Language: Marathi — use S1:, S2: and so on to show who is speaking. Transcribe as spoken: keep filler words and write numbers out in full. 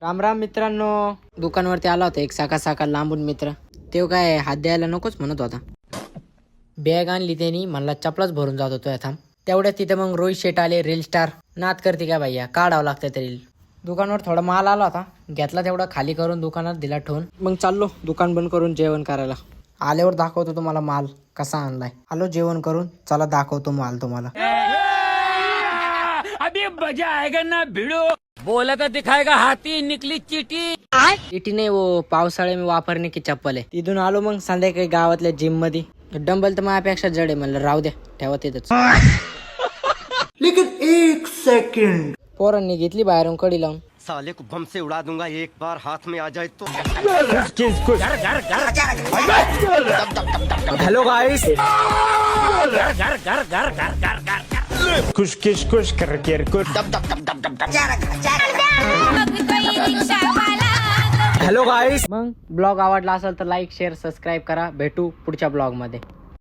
S1: राम राम मित्रांनो, दुकानवरती आला होता एक साका साका लांबून मित्र. ते काय हात द्यायला नकोच म्हणत होता. बॅग आणली त्यांनी, म्हणला चपलाच भरून जात होतो थांब. तेवढ्यात तिथे मग रोहित शेट आले. रील स्टार नाद करते काय भैया, काढावं लागतं ते रील. दुकानावर थोडा माल आला होता, घेतला तेवढा खाली करून दुकानात दिला ठेवून. मग चाललो दुकान बंद करून जेवण करायला. आल्यावर दाखवतो तुम्हाला माल कसा आणलाय. आलो जेवण करून, चला दाखवतो माल तुम्हाला.
S2: अभी मजा आएगा ना भिड़ो. बोला तो दिखाएगा हाथी, निकली चीटी.
S1: चीटी नाही वो, पावसाळे में वापरणे की चप्पल आहे. तिथून आलो मग संध्याकाळी गावातल्या जिम मध्ये. डंबल तर माझ्यापेक्षा जड आहे, म्हणलं राहू द्या ठेवा तिथंच.
S3: लेकिन एक सेकंड,
S1: पोरांनी घेतली बाहेरून कडी लावून.
S4: साले को बम से उड़ा दूंगा एक बार हाथ में आ जाए तो.
S3: हेलो गाइस,
S2: घर घर घर घर घर घर घर
S3: कुछ किश कुछ कर कर कुछ. Hello guys.
S1: मग ब्लॉग आवडला असेल तर लाईक शेअर सबस्क्राईब करा. भेटू पुढच्या ब्लॉग मध्ये.